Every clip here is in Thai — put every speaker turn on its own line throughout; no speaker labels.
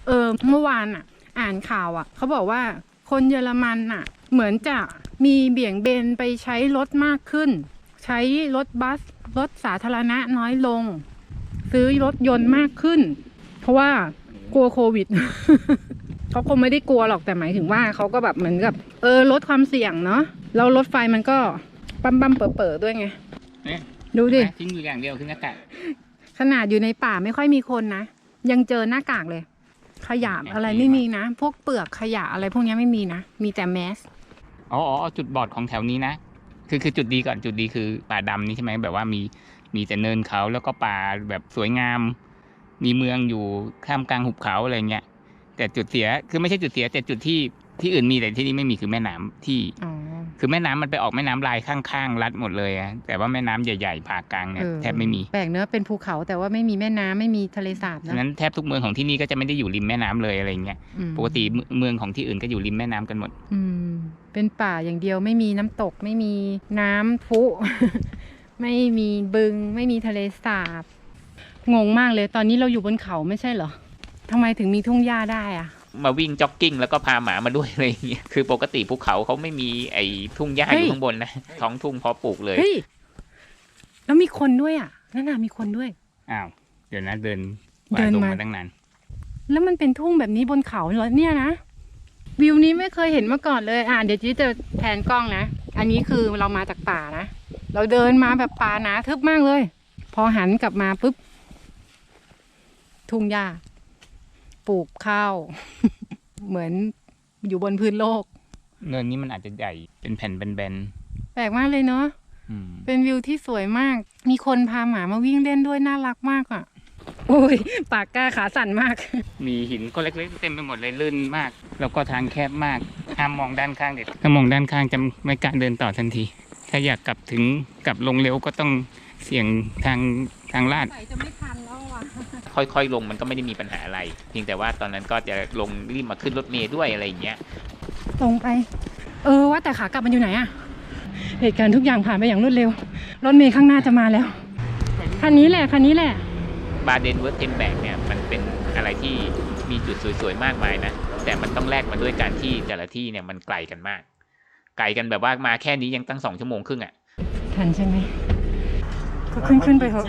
เมื่อวานอ่ะอ่านข่าวอ่ะเขาบอกว่าคนเยอรมันอ่ะเหมือนจะมีเบี่ยงเบนไปใช้รถมากขึ้นใช้รถบัสรถสาธารณะน้อยลงซื้อรถยนต์มากขึ้นเพราะว่ากลัวโควิด เขาคงไม่ได้กลัวหรอกแต่หมายถึงว่าเขาก็แบบเหมือนกับลดความเสี่ยงเนาะแล้วรถไฟมันก็ปั๊มเปิดด้วยไงดูดิ
ทิ้งอยู่อย่างเดียวคือหน้ากาก
ขนาดอยู่ในป่าไม่ค่อยมีคนนะยังเจอหน้ากากเลยขยะอะไรไม่มีนะพวกเปลือกขยะอะไรพวกนี้ไม่มีนะมีแต่แมส
อ๋อจุดบอดของแถวนี้นะคือจุดดีก่อนจุดดีคือป่าดำนี่ใช่ไหมแบบว่ามีแต่เนินเขาแล้วก็ป่าแบบสวยงามมีเมืองอยู่ท่ามกลางหุบเขาอะไรเงี้ยแต่จุดเสียคือไม่ใช่จุดเสียแต่จุดที่อื่นมีแต่ที่นี่ไม่มีคือแม่น้ำที่คือแม่น้ำมันไปออกแม่น้ำลายข้างๆรัดหมดเลยอะแต่ว่าแม่น้ำใหญ่ๆผ่ากลางเนี่ยแทบไม่มี
แปลกเนอะเป็นภูเขาแต่ว่าไม่มีแม่น้ำไม่มีทะเลสาบนะ
ฉะนั้นแทบทุกเมืองของที่นี่ก็จะไม่ได้อยู่ริมแม่น้ำเลยอะไรเงี้ยปกติเมืองของที่อื่นก็อยู่ริมแม่น้ำกันหมด
เป็นป่าอย่างเดียวไม่มีน้ำตกไม่มีน้ำพุ ไม่มีบึงไม่มีทะเลสาบงงมากเลยตอนนี้เราอยู่บนเขาไม่ใช่เหรอทำไมถึงมีทุ่งหญ้าได้อะ
มาวิ่งจ็อกกิ้งแล้วก็พาหมามาด้วยอะไรอย่างเงี้ยคือปกติภูเขาเขาไม่มีไอ้ทุ่งหญ้าอยู่ข้างบนนะท้องทุ่งพอปลูกเลย
เฮ้ยแล้วมีคนด้วยอ่ะนั่นน่ะมีคนด้วย
อ้าวเดี๋ยวนะเดินมาตั้งนาน
แล้วมันเป็นทุ่งแบบนี้บนเขาเหรอเนี่ยนะวิวนี้ไม่เคยเห็นมาก่อนเลยเดี๋ยวจีจะแผนกล้องนะอันนี้คือเรามาจากป่านะเราเดินมาแบบป่าหนาทึบมากเลยพอหันกลับมาปุ๊บทุ่งหญ้าปลูกข้าว เหมือนอยู่บนพื้นโลก
เนินนี้มันอาจจะใหญ่เป็นแผ่นแบน
ๆแปลกมากเลยเนาะเป็นวิวที่สวยมากมีคนพาหมามาวิ่งเล่นด้วยน่ารักมากอ่ะโอ้ยปากกล้าขาสั่นมาก
มีหินก็เล็กๆเต็มไปหมดเลยลื่นมากแล้วก็ทางแคบมากห้ามมองด้านข้างเด็ดถ้ามองด้านข้างจะไม่กล้าเดินต่อทันทีถ้าอยากกลับลงเร็วก็ต้องเสี่ยงทางลาด
จะไม่ทันแล้วอ่ะ
ค่อยๆลงมันก็ไม่ได้มีปัญหาอะไรเพียงแต่ว่าตอนนั้นก็จะลงรีบมาขึ้นรถเมล์ด้วยอะไรอย่างเงี้ย
ตรงไปว่าแต่ขากลับมันอยู่ไหนอะเหตุการณ์ทุกอย่างผ่านไปอย่างรวดเร็วรถเมล์ข้างหน้าจะมาแล้วคันนี้แหละ
บาเดนเวิร์ธเทมแบกเนี่ยมันเป็นอะไรที่มีจุดสวยๆมากมายนะแต่มันต้องแลกมาด้วยการที่แต่ละที่เนี่ยมันไกลกันมากไกลกันแบบว่ามาแค่นี้ยังตั้ง2 ชั่วโมงครึ่งอ่ะ
ทันใช่ไหมก็ขึ้นไปเถอะ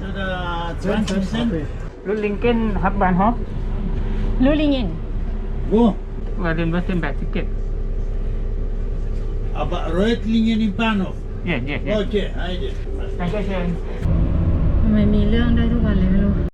รุ่นลิงเก้นฮับบานฮอป
รุ่นลิงเก้น
บาเดนเวิร์ธเทมแบกทิเก็ต
Aber Reutlingen in Bahnhof.
Yeah.
Okay, heide.
Danke schön.
ทำไมมีเรื่องได้ทุกวันเลย